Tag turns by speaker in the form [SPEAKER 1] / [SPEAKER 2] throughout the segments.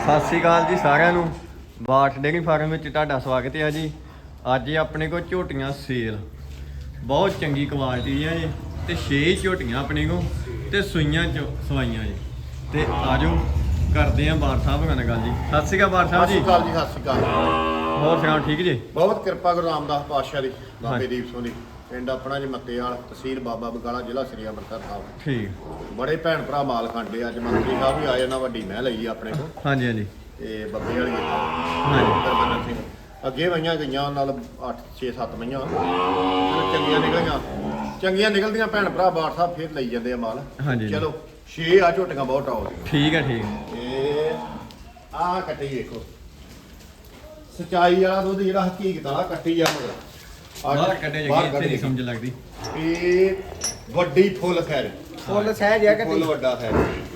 [SPEAKER 1] ਸਤਿ ਸ਼੍ਰੀ ਅਕਾਲ ਜੀ ਸਾਰਿਆਂ ਨੂੰ। ਬਾਠ ਡੇਅਰੀ ਫਾਰਮ ਵਿੱਚ ਤੁਹਾਡਾ ਸਵਾਗਤ ਹੈ ਜੀ। ਅੱਜ ਆਪਣੇ ਕੋਲ ਝੋਟੀਆਂ ਸੇਲ ਬਹੁਤ ਚੰਗੀ ਕੁਆਲਿਟੀ ਦੀਆਂ ਜੀ ਤੇ 6 ਝੋਟੀਆਂ ਆਪਣੇ ਕੋਲ ਤੇ ਸੂਈਆਂ ਸਵਾਈਆਂ ਜੀ। ਤੇ ਆਜੋ ਕਰਦੇ ਆਂ ਬਾਠ ਸਾਹਿਬ ਨਾਲ ਗੱਲ ਜੀ। ਸਤਿ ਸ਼੍ਰੀ ਅਕਾਲ ਬਾਠ ਸਾਹਿਬ ਜੀ।
[SPEAKER 2] ਸਤਿ ਸ਼੍ਰੀ ਅਕਾਲ ਜੀ। ਸਤਿ ਸ਼੍ਰੀ ਅਕਾਲ।
[SPEAKER 1] ਹੋਰ ਸੁਣਾਓ ਠੀਕ ਜੀ?
[SPEAKER 2] ਬਹੁਤ ਕਿਰਪਾ ਗੁਰੂ ਰਾਮਦਾਸ ਪਾਤਸ਼ਾਹ ਦੀ, ਬਾਬੇ ਦੀਪ ਸਿੰਘ ਦੀ। ਪਿੰਡ ਆਪਣਾ ਜੀ ਮੱਤੇਵਾਲ, ਤਹਿਸੀਲ ਬਾਬਾ ਬਕਾਲਾ, ਜ਼ਿਲ੍ਹਾ ਸ੍ਰੀ ਅੰਮ੍ਰਿਤਸਰ ਸਾਹਿਬ।
[SPEAKER 1] ਠੀਕ।
[SPEAKER 2] ਬੜੇ ਭੈਣ ਭਰਾ ਮਾਲ ਖਾਂਦੇ। ਅੱਜ ਮੰਤਰੀ ਸਾਹਿਬ ਵੀ ਆਏ, ਉਹਨਾਂ ਵੱਡੀ ਮਹਿ ਲਈ ਆਪਣੇ ਕੋਲ।
[SPEAKER 1] ਹਾਂਜੀ ਹਾਂਜੀ।
[SPEAKER 2] ਤੇ ਬੱਬੇ ਵਾਲੀ
[SPEAKER 1] ਹਾਂਜੀ।
[SPEAKER 2] ਹਰਮੰਦਰ ਸਿੰਘ ਅੱਗੇ ਵਈਆਂ ਗਈਆਂ ਨਾਲ 8 6 7 ਵਈਆਂ ਚੰਗੀਆਂ ਨਿਕਲੀਆਂ। ਚੰਗੀਆਂ ਨਿਕਲਦੀਆਂ ਭੈਣ ਭਰਾ ਬਾਠ ਸਾਹਿਬ ਫੇਰ ਲਈ ਜਾਂਦੇ ਆ ਮਾਲ।
[SPEAKER 1] ਹਾਂਜੀ।
[SPEAKER 2] ਚਲੋ 6 ਆ ਝੋਟੀਆਂ ਬਹੁਤ ਆਉਂਦੀਆਂ।
[SPEAKER 1] ਠੀਕ ਹੈ ਠੀਕ।
[SPEAKER 2] ਇਹ ਆਹ ਕੱਟੀ ਵੇਖੋ, ਸਚਾਈ ਵਾਲਾ ਦੁੱਧ ਜਿਹੜਾ ਹਕੀਕਤ ਵਾਲਾ ਕੱਟੀ ਆ ਮਗਰ
[SPEAKER 1] ਬਾਹਰ ਕੱਢੇ ਜਗੀ ਇੱਥੇ ਨਹੀਂ ਸਮਝ ਲੱਗਦੀ।
[SPEAKER 2] ਇਹ ਵੱਡੀ ਫੁੱਲ ਖੈਰ,
[SPEAKER 3] ਫੁੱਲ ਸਹਿਜ ਹੈ
[SPEAKER 2] ਫੁੱਲ ਵੱਡਾ ਖੈਰ।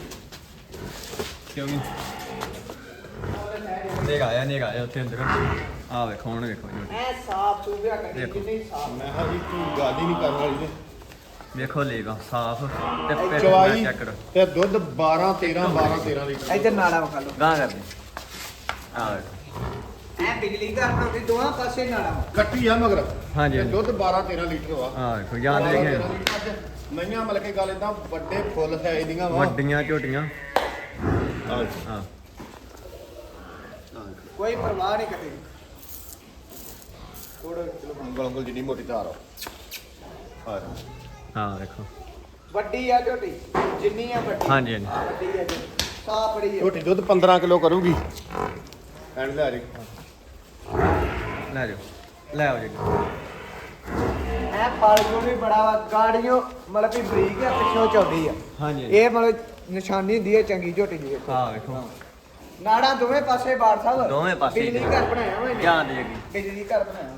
[SPEAKER 1] ਕਿਉਂ ਨਹੀਂ ਆਇਆ ਉੱਥੇ ਅੰਦਰ ਆ ਵੇਖੋ ਹੁਣ ਵੇਖੋ ਜੀ।
[SPEAKER 3] ਐ ਸਾਫ ਸੂਬਿਆ ਕੱਢੀ
[SPEAKER 1] ਦੇਖੋ।
[SPEAKER 3] ਕਿੰਨੀ ਸਾਫ।
[SPEAKER 2] ਮੈਂ ਕਿਹਾ ਜੀ ਕੋਈ ਗੱਲ ਹੀ ਨਹੀਂ ਕਰਨ ਵਾਲੀ ਨੇ।
[SPEAKER 1] ਵੇਖੋ ਲੇਗਾ ਸਾਫ ਤੇ ਪਿੱਠ
[SPEAKER 2] ਚਵਾਈ
[SPEAKER 1] ਚੈੱਕ ਕਰੋ।
[SPEAKER 2] ਤੇ ਦੁੱਧ 12 13 ਲੀਟਰ।
[SPEAKER 3] ਇੱਧਰ ਨਾੜਾ ਵਿਖਾ ਲਓ।
[SPEAKER 1] ਗਾਂ ਕਰਦੇ ਆ ਵੇਖੋ।
[SPEAKER 3] ਐ ਬਿਜਲੀ ਘਰ ਬਣਾਉਂਦੀ ਦੋਹਾਂ ਪਾਸੇ ਨਾੜਾ।
[SPEAKER 2] ਕੱਟੀ ਆ ਮਗਰ।
[SPEAKER 1] ਹਾਂਜੀ
[SPEAKER 2] ਤੇ
[SPEAKER 1] ਹਾਂਜੀ।
[SPEAKER 2] ਦੁੱਧ 12 13 ਲੀਟਰ ਵਾ।
[SPEAKER 1] ਆ ਵੇਖੋ ਯਾਦ ਦੇਖੇ
[SPEAKER 2] ਮਈਆਂ ਮਤਲਬ ਕਿ ਗੱਲ ਇਦਾਂ ਵੱਡੇ ਫੁੱਲ ਸਾਈਜ਼ ਦੀਆਂ ਵਾ।
[SPEAKER 1] ਵੱਡੀਆਂ ਝੋਟੀਆਂ। ਹਾਂ
[SPEAKER 3] ਕੋਈ ਪਰਵਾਹ ਨਹੀਂ ਕਰੇ।
[SPEAKER 2] ਥੋੜਾ ਚਲੋ ਉਂਗਲ ਜਿੰਨੀ ਮੋਟੀ ਧਾਰ ਆ।
[SPEAKER 1] ਹਾਂ ਵੇਖੋ
[SPEAKER 3] ਵੱਡੀ ਆ ਝੋਟੀ ਜਿੰਨੀ ਆ ਵੱਡੀ।
[SPEAKER 1] ਹਾਂਜੀ ਹਾਂਜੀ।
[SPEAKER 3] ਵੱਡੀ ਆ ਝੋਟੀ ਸਾਫ ਬੜੀ ਆ।
[SPEAKER 2] ਝੋਟੀ ਦੁੱਧ 15 ਕਿਲੋ ਕਰੂਗੀ। ਐਂਡ ਲੈ ਰੇ
[SPEAKER 1] ਲੈ ਜਾਓ ਲੈ ਆਓ ਜੀ।
[SPEAKER 3] ਐ ਪਾਲ ਜੋ ਵੀ ਬੜਾ ਵਾ ਗਾੜੀਆਂ ਮਤਲਬ ਕਿ ਬਰੀਕ ਆ ਪਿੱਛੋਂ ਚੌੜੀ ਆ।
[SPEAKER 1] ਹਾਂਜੀ
[SPEAKER 3] ਇਹ ਮਤਲਬ ਨਿਸ਼ਾਨੀ ਹੁੰਦੀ ਹੈ ਚੰਗੀ ਝੋਟੀ ਦੀ। ਵੇਖੋ
[SPEAKER 1] ਹਾਂ ਵੇਖੋ
[SPEAKER 3] ਨਾੜਾ ਦੋਵੇਂ ਪਾਸੇ ਬਾੜ ਸਾਹਿਬ
[SPEAKER 1] ਦੋਵੇਂ ਪਾਸੇ
[SPEAKER 3] ਬਿਜਲੀ ਘਰ ਬਣਾਇਆ ਹੋਇਆ
[SPEAKER 1] ਯਾਦ ਜਗੀ।
[SPEAKER 3] ਬਿਜਲੀ ਘਰ ਬਣਾਇਆ।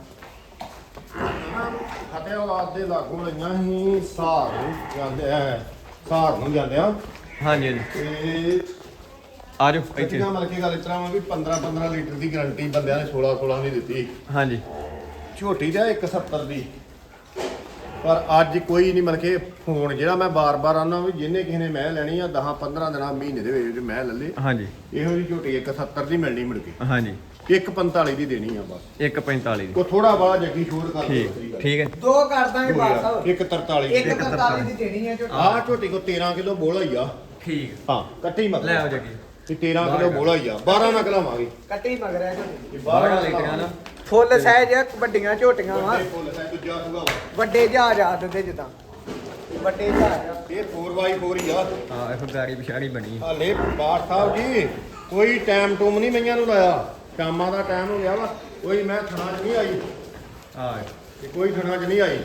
[SPEAKER 2] ਫਤਿਆਬਾਦ ਦੇ ਲਾਗੋਂ ਲਈਆਂ ਸੀ ਸਹਾਰ ਨੂੰ ਜਾਂਦੇ ਆ, ਸਹਾਰ ਨੂੰ ਜਾਂਦੇ ਆ।
[SPEAKER 1] ਹਾਂਜੀ ਹਾਂਜੀ
[SPEAKER 2] ਤੇ
[SPEAKER 1] ਆ ਜਾਓ ਇੱਥੇ।
[SPEAKER 2] ਕੱਟੀਆਂ ਮਤਲਬ ਕਿ ਗੱਲ ਇਸ ਤਰ੍ਹਾਂ ਵਾ ਵੀ 15 ਲੀਟਰ ਦੀ ਗਾਰੰਟੀ ਬੰਦਿਆਂ ਨੇ 16 ਦੀ ਦਿੱਤੀ।
[SPEAKER 1] ਹਾਂਜੀ
[SPEAKER 2] ਝੋਟੀ ਦਾ 170 ਦੀ। ਪਰ ਅੱਜ ਕੋਈ ਨਹੀਂ ਮਤਲਬ ਕਿ ਫੋਨ ਜਿਹੜਾ ਮੈਂ ਬਾਰ-ਬਾਰ ਆਨਾ ਵੀ ਜਿਹਨੇ ਕਿਸੇ ਨੇ ਮੈਂ ਲੈਣੀ ਆ 10-15 ਦਿਨਾਂ ਮਹੀਨੇ ਦੇ ਵਿੱਚ ਮੈਂ ਲੈ ਲੇ।
[SPEAKER 1] ਹਾਂਜੀ
[SPEAKER 2] ਇਹੋ ਜਿਹੀ ਝੋਟੀ 170 ਦੀ ਮਿਲਣੀ ਮੁੜ ਕੇ।
[SPEAKER 1] ਹਾਂਜੀ
[SPEAKER 2] 145 ਦੀ ਦੇਣੀ ਆ ਬਸ।
[SPEAKER 1] 145 ਦੀ।
[SPEAKER 2] ਕੋ ਥੋੜਾ ਬਾਅਦ ਜੱਗੀ ਛੋੜ ਕਰ ਦੇ।
[SPEAKER 1] ਠੀਕ ਠੀਕ ਹੈ।
[SPEAKER 3] ਦੋ ਕਰ ਦਾਂਗੇ ਬਾੜ ਸਾਹਿਬ।
[SPEAKER 2] 143
[SPEAKER 3] ਇੱਕ 43 ਦੀ ਦੇਣੀ ਹੈ ਝੋਟੀ।
[SPEAKER 2] ਆਹ ਝੋਟੀ ਕੋ 13 ਕਿਲੋ ਬੋਲਾ ਹੀ ਆ।
[SPEAKER 1] ਠੀਕ
[SPEAKER 2] ਹਾਂ ਕੱਟੀ ਮਤ
[SPEAKER 1] ਲੈ ਆਓ ਜਗੀ।
[SPEAKER 2] ਤੇ 13 ਕਿਲੋ ਬੋਲਾ ਹੀ ਆ। 12 ਨਾ ਕਲਾਵਾਂਗੇ।
[SPEAKER 3] ਕੱਟੀ ਮਗਰ ਹੈ ਝੋਟੀ।
[SPEAKER 1] 12 ਲੀਟਰਾਂ ਨਾ
[SPEAKER 3] ਫੁੱਲ ਸਾਈਜ਼ ਆ ਵੱਡੀਆਂ ਝੋਟੀਆਂ ਵਾ।
[SPEAKER 2] ਫੁੱਲ ਸਾਈਜ਼ ਦੂਜਾ ਸੂਗਾ ਵਾ।
[SPEAKER 3] ਵੱਡੇ ਜਹਾਜ਼ ਆ ਦਿੰਦੇ ਜਿੱਦਾਂ ਵੱਡੇ ਜਹਾਜ਼ ਆ।
[SPEAKER 2] ਇਹ 4x4 ਹੀ ਆ।
[SPEAKER 1] ਹਾਂ ਇਹ ਗਾੜੀ ਪਿਛਾੜੀ ਬਣੀ।
[SPEAKER 2] ਹਾਲੇ ਬਾਠ ਸਾਹਿਬ ਜੀ ਕੋਈ ਟਾਈਮ ਟੂਮ ਨਹੀਂ ਮਈਆਂ ਨੂੰ ਲਾਇਆ। ਸ਼ਾਮਾਂ ਦਾ ਟਾਈਮ ਹੋ ਗਿਆ ਵਾ। ਕੋਈ ਮੈਂ ਥਣਾ 'ਚ ਨਹੀਂ ਆਈ।
[SPEAKER 1] ਹਾਂ
[SPEAKER 2] ਤੇ ਕੋਈ ਥਣਾ 'ਚ ਨਹੀਂ ਆਈ।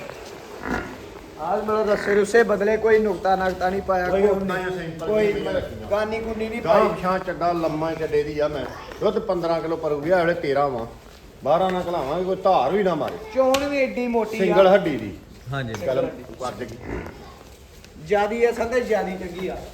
[SPEAKER 3] ਆਜ ਮਤਲਬ ਰਸੇ ਰੁਸੇ ਬਦਲੇ ਕੋਈ ਨੁਕਤਾ ਨਕਤਾ ਨਹੀਂ ਪਾਇਆ।
[SPEAKER 2] ਕੋਈ
[SPEAKER 3] ਕੋਈ
[SPEAKER 2] ਨੁਕਤਾ ਜਾਂ ਸਿੰਪਲ
[SPEAKER 3] ਕੋਈ
[SPEAKER 2] ਨਹੀਂ ਰੱਖੀਆਂ।
[SPEAKER 3] ਗਾਨੀ ਗੁੰਨੀ ਨਹੀਂ
[SPEAKER 2] ਗਾਂ
[SPEAKER 3] ਪਾਈ।
[SPEAKER 2] ਪਛਾਂ ਚੱਡਾ ਲੰਮਾ ਚੱਡੇ ਦੀ ਆ। ਮੈਂ ਦੁੱਧ 15 ਕਿਲੋ ਪਰੂਗੀ। ਆ ਵੇਲੇ 13 ਵਾ। 12 ਨਾ ਘਲਾਵਾਂਗੇ। ਕੋਈ ਧਾਰ ਵੀ ਨਾ ਮਾਰੇ।
[SPEAKER 3] ਚੋਣ ਵੀ ਏਡੀ ਮੋਟੀ
[SPEAKER 2] ਸਿੰਗਲ
[SPEAKER 3] ਆ।
[SPEAKER 2] ਹੱਡੀ ਦੀ
[SPEAKER 1] ਹਾਂਜੀ
[SPEAKER 2] ਗੱਲ ਕਰ ਜਗੀ।
[SPEAKER 3] ਜਿਆਦੀ ਅਸਲ ਤੇ ਜਿਆਦੀ ਚੰਗੀ ਆ।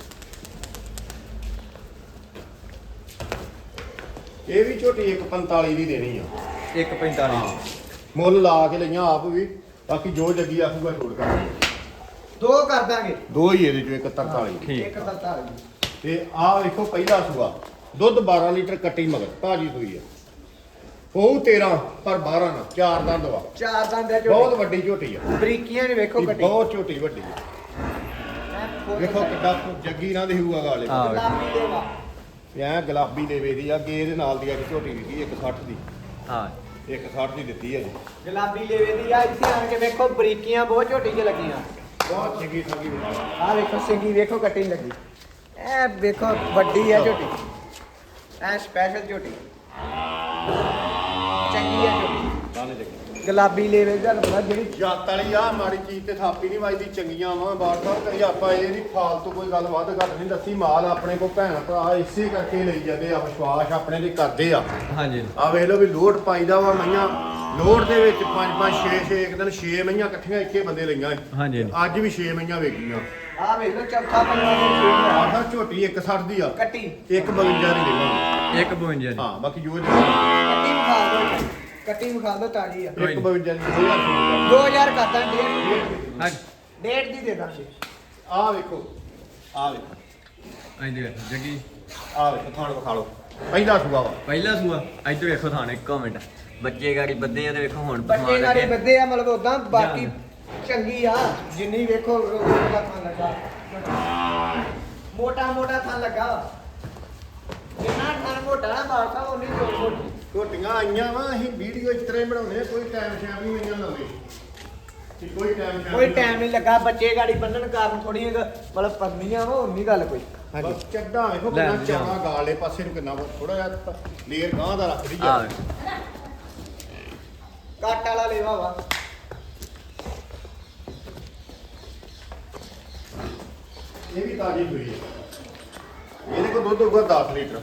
[SPEAKER 2] ਇਹ ਵੀ ਝੋਟੀ 145 ਦੀ ਦੇਣੀ ਆ।
[SPEAKER 1] 145
[SPEAKER 2] ਮੁੱਲ ਲਾ ਕੇ ਲਈਆਂ ਆਪ ਵੀ। ਬਾਕੀ ਜੋ ਜੱਗੀ ਆਖੂਗਾ ਛੋੜ ਕਰ
[SPEAKER 3] ਦੋ ਕਰ ਦਾਂਗੇ।
[SPEAKER 2] ਦੋ ਹੀ ਇਹਦੇ ਚੋਂ 143
[SPEAKER 1] ਠੀਕ।
[SPEAKER 3] ਇੱਕ 43
[SPEAKER 2] ਤੇ ਆਹ ਵੇਖੋ ਪਹਿਲਾ ਸੂਆ ਦੁੱਧ 12 ਲੀਟਰ ਕੱਟੀ ਮਗਰ ਤਾਜੀ ਸੂਈ ਆ। ਉਹ 13 ਪਰ 12 ਨਾ 4 ਦੰਦ ਵਾ।
[SPEAKER 3] ਚਾਰ ਦੰਦ ਆ
[SPEAKER 2] ਬਹੁਤ
[SPEAKER 3] ਝੋਟੀ।
[SPEAKER 2] ਵੱਡੀ ਝੋਟੀ ਆ।
[SPEAKER 3] ਬਰੀਕੀਆਂ ਨੇ ਵੇਖੋ
[SPEAKER 2] ਇਹ
[SPEAKER 3] ਕੱਟੀ।
[SPEAKER 2] ਬਹੁਤ ਝੋਟੀ ਵੱਡੀ ਆ। ਵੇਖੋ ਕਿੱਡਾ ਜੱਗੀ ਨਾ ਦੇ ਹੋਊਗਾ ਗਾਲੇ।
[SPEAKER 1] ਹਾਂ।
[SPEAKER 3] ਗੁਲਾਬੀ ਦੇ ਵਾ।
[SPEAKER 2] ਐ ਗੁਲਾਬੀ ਲੇਵੇ ਦੀ ਆ। ਗੇ ਦੇ ਨਾਲ ਦੀ ਆ ਝੋਟੀ ਦਿੱਤੀ 160 ਦੀ।
[SPEAKER 1] ਹਾਂ
[SPEAKER 2] 160 ਦੀ ਦਿੱਤੀ ਹੈ ਜੀ।
[SPEAKER 3] ਗੁਲਾਬੀ ਲੇਵੇ ਦੀ ਆ। ਇੱਥੇ ਆਣ ਕੇ ਵੇਖੋ ਬਰੀਕੀਆਂ ਬਹੁਤ ਝੋਟੀ 'ਚ ਲੱਗੀਆਂ।
[SPEAKER 2] ਬਹੁਤ ਚੰਗੀ ਸੰਗੀ
[SPEAKER 3] ਆ ਵੇਖੋ ਸਿੰਗੀ ਵੇਖੋ ਕੱਟੀ ਲੱਗੀ। ਐ ਵੇਖੋ ਵੱਡੀ ਆ ਝੋਟੀ। ਐ ਸਪੈਸ਼ਲ ਝੋਟੀ ਚੰਗੀ ਆ ਝੋਟੀ।
[SPEAKER 2] ਦਾਣੇ ਜੱਗੀ
[SPEAKER 3] ਗੁਲਾਬੀ ਲੇਵੇ ਦਾ ਪਤਾ ਜਿਹੜੀ
[SPEAKER 2] ਜੱਤ ਵਾਲੀ ਆ। ਮਾੜੀ ਚੀਜ਼ ਤੇ ਥਾਪੀ ਨਹੀਂ ਵੱਜਦੀ। ਚੰਗੀਆਂ ਵਾ ਬਾਰ ਸਾਹਿਬ ਕਰੀ। ਆਪਾਂ ਇਹ ਨਹੀਂ ਫਾਲਤੂ ਕੋਈ ਗੱਲ ਵੱਧ ਘੱਟ ਨਹੀਂ ਦੱਸੀ। ਮਾਲ ਆਪਣੇ ਕੋਲ ਭੈਣ ਭਰਾ ਇਸੇ ਕਰਕੇ ਲਈ ਜਾਂਦੇ ਆ। ਵਿਸ਼ਵਾਸ ਆਪਣੇ ਤੇ ਕਰਦੇ ਆ।
[SPEAKER 1] ਹਾਂਜੀ
[SPEAKER 2] ਆ ਵੇਖ ਲਓ ਵੀ ਲੋਡ ਪਾਈਦਾ ਵਾ। ਮਈਆਂ ਲੋਡ ਦੇ ਵਿੱਚ 5-5 6-6 ਇੱਕ ਦਿਨ 6 ਮਈਆਂ ਇਕੱਠੀਆਂ ਇੱਕੇ ਬੰਦੇ ਲਈਆਂ।
[SPEAKER 1] ਹਾਂਜੀ
[SPEAKER 2] ਅੱਜ ਵੀ 6 ਮਈਆਂ ਵੇਚੀਆਂ।
[SPEAKER 3] ਆ ਵੇਖ ਲਓ ਚੌਥਾ ਪੰਜਵਾਂ ਦਿਨ ਸ਼ੁਰੂ ਹੋਇਆ।
[SPEAKER 2] ਆਹ ਝੋਟੀ 160 ਦੀ ਆ।
[SPEAKER 3] ਕੱਟੀ
[SPEAKER 2] 152 ਦੀ ਦੇਵਾਂਗੇ।
[SPEAKER 1] 152 ਜੀ।
[SPEAKER 2] ਹਾਂ ਬਾਕੀ ਜੋ
[SPEAKER 3] ਕੱਟੀ ਵਿਖਾ ਦਿਓ। ਕੱਟੀ ਵਿਖਾ ਦਿਓ ਤਾਜੀ ਆ।
[SPEAKER 2] 152 ਦੀ 2000
[SPEAKER 3] 2000 ਕਰਦਾ ਡੇਢ
[SPEAKER 1] ਹਾਂ
[SPEAKER 3] ਡੇਢ ਦੀ ਦੇ ਦਾਂਗੇ।
[SPEAKER 2] ਆ ਵੇਖੋ ਆ ਵੇਖੋ
[SPEAKER 1] ਆਂਦੇ ਜੱਗੀ
[SPEAKER 2] ਆ ਵੇਖੋ ਥਾਣ ਵਿਖਾ ਲਓ ਪਹਿਲਾ ਸੂਆ ਵਾ
[SPEAKER 1] ਪਹਿਲਾ ਸੂਆ ਇੱਧਰ ਵੇਖੋ ਥਾਣੇ ਇੱਕ ਮਿੰਟ ਬੱਚੇ ਗਾੜੀ ਬੱਦੇ ਆ ਤੇ ਵੇਖੋ ਹੁਣ
[SPEAKER 3] ਬੱਚੇ
[SPEAKER 1] ਪਸਮਾਨ
[SPEAKER 3] ਨਾਲੇ
[SPEAKER 1] ਲੱਗੇ
[SPEAKER 3] ਬੱਦੇ ਆ ਮਤਲਬ ਉਦਾਂ ਬਾਕੀ
[SPEAKER 1] ਜਾਨ।
[SPEAKER 3] ਚੰਗੀ ਆ ਜਿੰਨੀ ਵੇਖੋ ਉਹਦਾ ਥਾਂ ਲੱਗਾ ਮੋਟਾ ਥਾਂ ਲੱਗਾ ਜਿੰਨਾ ਥਾਂ ਮੋਟਾ ਨਾ ਬਾਸਾ ਉਨੀ ਜੋੜ ਮੋਟੀ
[SPEAKER 2] ਝੋਟੀਆਂ ਆਈਆਂ ਵਾ ਅਸੀਂ ਵੀਡੀਓ ਇਸ ਤਰ੍ਹਾਂ ਹੀ ਬਣਾਉਂਦੇ ਆ ਕੋਈ ਟਾਈਮ ਸ਼ਾਮ ਨਹੀਂ ਆਈਆਂ ਲਾਉਂਦੇ ਕਿ ਕੋਈ ਟਾਈਮ
[SPEAKER 3] ਨਹੀਂ ਲੱਗਾ ਬੱਚੇ ਗਾੜੀ ਬੰਨਣ ਕਾਰਨ ਥੋੜੀਆਂ ਮਤਲਬ ਪਰਨੀਆਂ ਵਾ ਉਨੀ ਗੱਲ ਕੋਈ
[SPEAKER 2] ਬਸ ਚੱਡਾ ਵੇਖੋ
[SPEAKER 1] ਲੈ
[SPEAKER 2] ਕਿੰਨਾ
[SPEAKER 1] ਜਾ।
[SPEAKER 2] ਚੌੜਾ ਗਾਲੇ ਪਾਸੇ ਨੂੰ ਕਿੰਨਾ ਥੋੜਾ ਜਿਹਾ ਲੇਅਰ ਗਾਂ ਦਾ ਰੱਖਦੀ
[SPEAKER 1] ਆ
[SPEAKER 2] ਆ
[SPEAKER 3] ਕੱਟ ਵਾਲਾ ਲੇਵਾ ਵਾ
[SPEAKER 2] ਇਹ ਵੀ ਤਾਜੀ ਹੋਈ ਹੈ ਇਹਦੇ ਕੋਲ ਦੁੱਧ ਹੋਊਗਾ 10 ਲੀਟਰ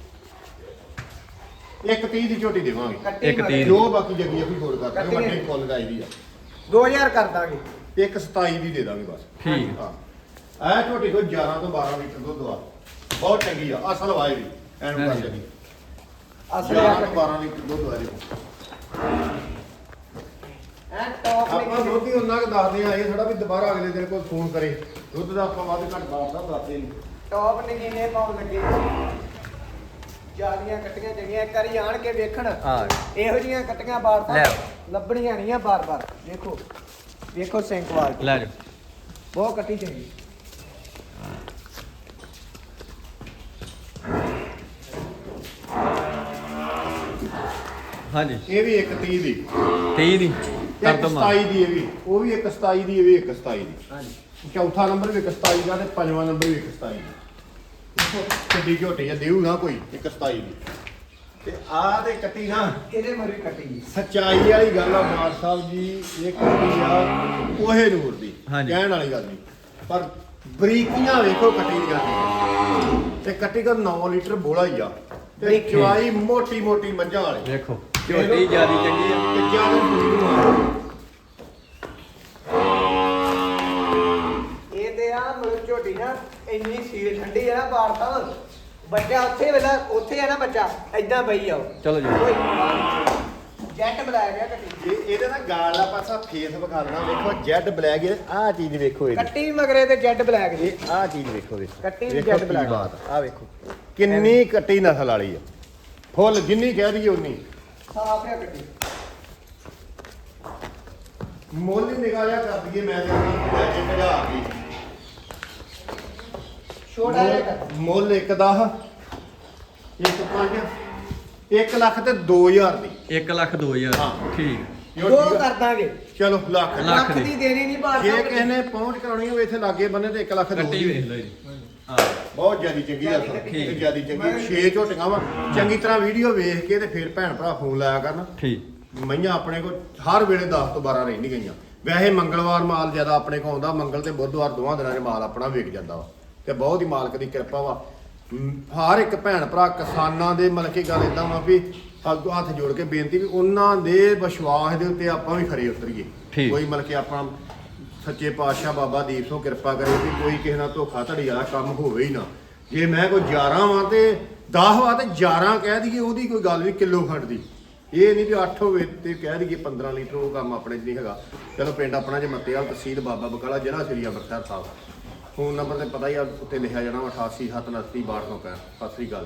[SPEAKER 2] ਇੱਕ 30 ਦੀ ਝੋਟੀ ਦੇਵਾਂਗੇ
[SPEAKER 3] ਕੱਟੀ
[SPEAKER 1] ਇੱਕ
[SPEAKER 3] ਮਗਰ।
[SPEAKER 1] ਤੀਰ।
[SPEAKER 2] ਜੋ ਬਾਕੀ ਜੱਗੀ ਅਸੀਂ ਹੋਰ ਕਰਦੇ
[SPEAKER 3] ਕੱਟੀ
[SPEAKER 2] ਵੱਡੇ
[SPEAKER 3] ਹੈ।
[SPEAKER 2] ਫੁੱਲ ਗਾਈ ਦੀ ਆ
[SPEAKER 3] 2000 ਕਰ ਦਾਂਗੇ
[SPEAKER 2] ਇੱਕ 27 ਦੀ ਦੇ ਦਾਂਗੇ ਬਸ
[SPEAKER 1] ਠੀਕ
[SPEAKER 2] ਹਾਂ ਇਹ ਝੋਟੀ ਕੋਲ 11 ਤੋਂ 12 ਲੀਟਰ ਦੁੱਧ ਆ ਬਹੁਤ ਚੰਗੀ ਆ ਅਸਲ ਵਾਏ ਦੀ ਐਨੂੰ ਕਰ
[SPEAKER 1] ਹਾਂਜੀ।
[SPEAKER 2] ਜੱਗੀ
[SPEAKER 3] ਅਸਲ
[SPEAKER 2] 11
[SPEAKER 3] ਆ
[SPEAKER 2] ਤੋਂ 12 ਲੀਟਰ ਦੁੱਧ ਆ ਇਹਦੇ ਕੋਲ
[SPEAKER 3] ਐ ਟੌਪ
[SPEAKER 2] ਆਪਾਂ
[SPEAKER 3] ਨੇ
[SPEAKER 2] ਦੁੱਧ ਹੀ ਉਹਨਾਂ ਕੁ ਦੱਸਦੇ ਆ ਇਹ ਥੋੜਾ ਵੀ ਦੁਬਾਰਾ ਅਗਲੇ ਦਿਨ ਕੋਈ ਫੋਨ ਕਰੇ ਦੁੱਧ ਦਾ ਆਪਾਂ ਵੱਧ ਘੱਟ ਬਾਤ ਦੱਸਦੇ ਨਹੀਂ
[SPEAKER 3] ਟੌਪ ਨੇ ਕਿਨੇ ਪਾਉਣ ਲੱਗੇ ਜਾਲੀਆਂ ਕੱਟੀਆਂ ਚੰਗੀਆਂ ਇੱਕ ਵਾਰੀ ਆਣ ਕੇ ਵੇਖਣ
[SPEAKER 1] ਆ
[SPEAKER 3] ਇਹੋ ਜੀਆਂ ਕੱਟੀਆਂ ਬਾਰ
[SPEAKER 1] ਲੈ।
[SPEAKER 3] ਲੱਭਣੀਆਂ ਨਹੀਂ ਆ ਬਾਰ-ਬਾਰ ਦੇਖੋ ਵੇਖੋ ਸੈਂਕਵਾਲ
[SPEAKER 1] ਲੈ ਜਾ
[SPEAKER 3] ਬਹੁਤ ਕੱਟੀ ਚੰਗੀ
[SPEAKER 1] ਹਾਂਜੀ
[SPEAKER 2] ਇਹ ਵੀ ਇੱਕ 30 ਦੀ
[SPEAKER 1] 23 ਦੀ ਕਰ
[SPEAKER 2] ਇੱਕ
[SPEAKER 1] ਦੋ
[SPEAKER 2] 27 ਦੀ ਇਹ ਵੀ ਉਹ ਵੀ ਇੱਕ 27 ਦੀ ਇਹ ਵੀ ਇੱਕ 27 ਦੀ
[SPEAKER 3] ਹਾਂਜੀ
[SPEAKER 2] ਚੌਥਾ ਨੰਬਰ ਵੀ ਇੱਕ 27 ਦਾ ਤੇ ਪੰਜਵਾਂ ਨੰਬਰ ਵੀ ਇੱਕ 27 ਦਾ ਦੇਖੋ ਕਿੱਡੀ ਝੋਟੀ ਆ ਦੇਊ ਨਾ ਕੋਈ ਇੱਕ 27 ਦੀ ਤੇ ਆਹ ਤੇ ਕੱਟੀ ਨਾ
[SPEAKER 3] ਇਹਦੇ ਮਰੀ ਕੱਟੀ ਜੀ
[SPEAKER 2] ਸੱਚਾਈ ਵਾਲੀ ਗੱਲ ਆ ਮਾਰ ਸਾਹਿਬ ਜੀ ਇਹ ਕੱਟੀ ਆ ਕੋਹੇ ਨੂਰ ਦੀ
[SPEAKER 1] ਹਾਂਜੀ।
[SPEAKER 2] ਕਹਿਣ ਵਾਲੀ ਗੱਲ ਨਹੀਂ ਪਰ ਬਰੀਕੀਆਂ ਵੇਖੋ ਕੱਟੀ ਦੀ ਗੱਲ ਤੇ ਕੱਟੀ ਦਾ 9 ਲੀਟਰ ਬੋਲਾ ਹੀ ਆ ਤੇ
[SPEAKER 3] ਬਰੀਕੀ।
[SPEAKER 2] ਚਵਾਈ ਮੋਟੀ ਮੋਟੀ ਮੱਝਾਂ ਵਾਲੀ
[SPEAKER 1] ਵੇਖੋ ਝੋਟੀ ਜਿਆਦੀ ਚੰਗੀ ਆ
[SPEAKER 2] ਤੇ ਜਿਆਦਾ ਪੂਰੀ ਨੂੰ ਆ
[SPEAKER 3] ਇਹ ਤੇ ਆ ਮਤਲਬ ਝੋਟੀ ਨਾ ਇੰਨੀ ਸੀਲ ਠੰਡੀ ਆ ਨਾ ਬਾਰ ਤਾਂ ਬੱਚਾ ਉੱਥੇ ਆ ਨਾ ਬੱਚਾ ਐਦਾਂ ਬਈ ਆਓ
[SPEAKER 1] ਚਲੋ ਜੀ
[SPEAKER 3] ਜੈਟ ਬੁਲਾਇਆ ਗਿਆ ਕੱਟੀ
[SPEAKER 2] ਇਹਦੇ ਨਾਲ ਗਾਲ ਦਾ ਪਾਸਾ ਫੇਸ ਵਿਖਾ ਦੇਣਾ ਵੇਖੋ ਜੈਡ ਬਲੈਕ ਆਹ ਚੀਜ਼ ਵੇਖੋ ਇਹਦੀ
[SPEAKER 3] ਕੱਟੀ ਵੀ ਮਗਰੇ ਤੇ ਜੈਟ ਬਲੈਕ ਜੀ
[SPEAKER 2] ਇਹ ਆਹ ਚੀਜ਼ ਵੇਖੋ ਵੇਖੋ
[SPEAKER 3] ਕੱਟੀ ਵੀ
[SPEAKER 2] ਵੇਖੋ
[SPEAKER 3] ਜੈਡ
[SPEAKER 2] ਕੀ
[SPEAKER 3] ਬਲੈਕ
[SPEAKER 2] ਬਾਤ ਆ ਵੇਖੋ ਕਿੰਨੀ ਕੱਟੀ ਨਸਲ ਵਾਲੀ ਆ ਫੁੱਲ ਜਿੰਨੀ ਕਹਿ ਦਈਏ ਉਨੀ
[SPEAKER 3] ਸਾਫ ਹੈ ਕੱਟੀ
[SPEAKER 2] ਮੁੱਲ ਹੀ ਨਿਗਾਹ ਜਿਹਾ ਕਰ ਦਈਏ ਮੈਂ ਤੇ ਲੈ ਕੇ ਭਜਾ ਗਈ
[SPEAKER 3] ਛੋਟਾ ਜਿਹਾ ਕੱਟੀ
[SPEAKER 2] ਮੁੱਲ ਇੱਕ 10 ਇੱਕ 5 1 ਲੱਖ ਤੇ 2000 ਦੀ
[SPEAKER 1] 1 ਲੱਖ 2000
[SPEAKER 2] ਹਾਂ।
[SPEAKER 1] ਠੀਕ
[SPEAKER 3] ਦੋ ਕਰ ਦਾਂਗੇ
[SPEAKER 2] ਚਲੋ ਲੱਖ
[SPEAKER 1] ਲੱਖ
[SPEAKER 3] ਲੱਖ
[SPEAKER 1] ਦੀ।
[SPEAKER 3] ਦੀ ਦੇਣੀ ਨਹੀਂ ਬਾਤ
[SPEAKER 2] ਜੇ ਕਿਸੇ ਨੇ ਪਹੁੰਚ ਕਰਾਉਣੀ ਹੋਵੇ ਇੱਥੇ ਲਾਗੇ ਬੰਨੇ ਤੇ 1 ਲੱਖ
[SPEAKER 1] ਕੱਟੀ
[SPEAKER 2] ਦੋ
[SPEAKER 1] ਵੇਖ ਲਓ ਜੀ ਹਾਂ
[SPEAKER 2] ਬਹੁਤ ਜਿਆਦੀ ਚੰਗੀ ਆ
[SPEAKER 3] ਜਿਆਦੀ
[SPEAKER 1] ਕੱਟੀ।
[SPEAKER 2] ਤੇ ਜਿਆਦੀ ਚੰਗੀ 6 ਝੋਟੀਆਂ ਵਾ ਚੰਗੀ ਤਰ੍ਹਾਂ ਵੀਡੀਓ ਵੇਖ ਕੇ ਤੇ ਫਿਰ ਭੈਣ ਭਰਾ ਫੋਨ ਲਾਇਆ ਕਰਨ
[SPEAKER 1] ਠੀਕ
[SPEAKER 2] ਮਈਆਂ ਆਪਣੇ ਕੋਲ ਹਰ ਵੇਲੇ 10 ਤੋਂ 12 ਰਹਿੰਦੀ ਗਈਆਂ ਵੈਸੇ ਮੰਗਲਵਾਰ ਮਾਲ ਜ਼ਿਆਦਾ ਆਪਣੇ ਕੋਲ ਆਉਂਦਾ ਮੰਗਲ ਤੇ ਬੁੱਧਵਾਰ ਦੋਵਾਂ ਦਿਨਾਂ 'ਚ ਮਾਲ ਆਪਣਾ ਵਿਕ ਜਾਂਦਾ ਵਾ ਤੇ ਬਹੁਤ ਹੀ ਮਾਲਕ ਦੀ ਕਿਰਪਾ ਵਾ ਹਰ ਇੱਕ ਭੈਣ ਭਰਾ ਕਿਸਾਨਾਂ ਦੇ ਮਤਲਬ ਕਿ ਗੱਲ ਇਦਾਂ ਵਾ ਵੀ ਅੱਗੋਂ ਹੱਥ ਜੋੜ ਕੇ ਬੇਨਤੀ ਵੀ ਉਹਨਾਂ ਦੇ ਵਿਸ਼ਵਾਸ ਦੇ ਉੱਤੇ ਆਪਾਂ ਵੀ ਖਰੇ ਉਤਰੀਏ
[SPEAKER 1] ਠੀਕ।
[SPEAKER 2] ਕੋਈ ਮਤਲਬ ਕਿ ਆਪਾਂ ਸੱਚੇ ਪਾਤਸ਼ਾਹ ਬਾਬਾ ਦੀਪ ਸਿੰਘ ਕਿਰਪਾ ਕਰੇ ਵੀ ਕੋਈ ਕਿਸੇ ਨਾਲ ਧੋਖਾ ਧੜੀ ਵਾਲਾ ਕੰਮ ਹੋਵੇ ਹੀ ਨਾ ਜੇ ਮੈਂ ਕੋਈ 11 ਵਾਂ ਤੇ 10 ਵਾਂ ਤੇ 11 ਕਹਿ ਦਈਏ ਉਹਦੀ ਕੋਈ ਗੱਲ ਨਹੀਂ ਕਿਲੋ ਖੰਡ ਦੀ ਇਹ ਨਹੀਂ ਵੀ 8 ਹੋਵੇ ਤੇ ਕਹਿ ਦਈਏ 15 ਲੀਟਰ ਉਹ ਕੰਮ ਆਪਣੇ 'ਚ ਨਹੀਂ ਹੈਗਾ ਚਲੋ ਪਿੰਡ ਆਪਣਾ ਜੇ ਮੱਤੇਵਾਲ ਤਹਿਸੀਲ ਬਾਬਾ ਬਕਾਲਾ ਜ਼ਿਲ੍ਹਾ ਸ੍ਰੀ ਅੰਮ੍ਰਿਤਸਰ ਸਾਹਿਬ ਫੋਨ ਨੰਬਰ ਤੇ ਪਤਾ ਹੀ ਆ ਉੱਤੇ ਲਿਖਿਆ ਜਾਣਾ 88 729 62 ਸਤਿ ਸ੍ਰੀ ਅਕਾਲ।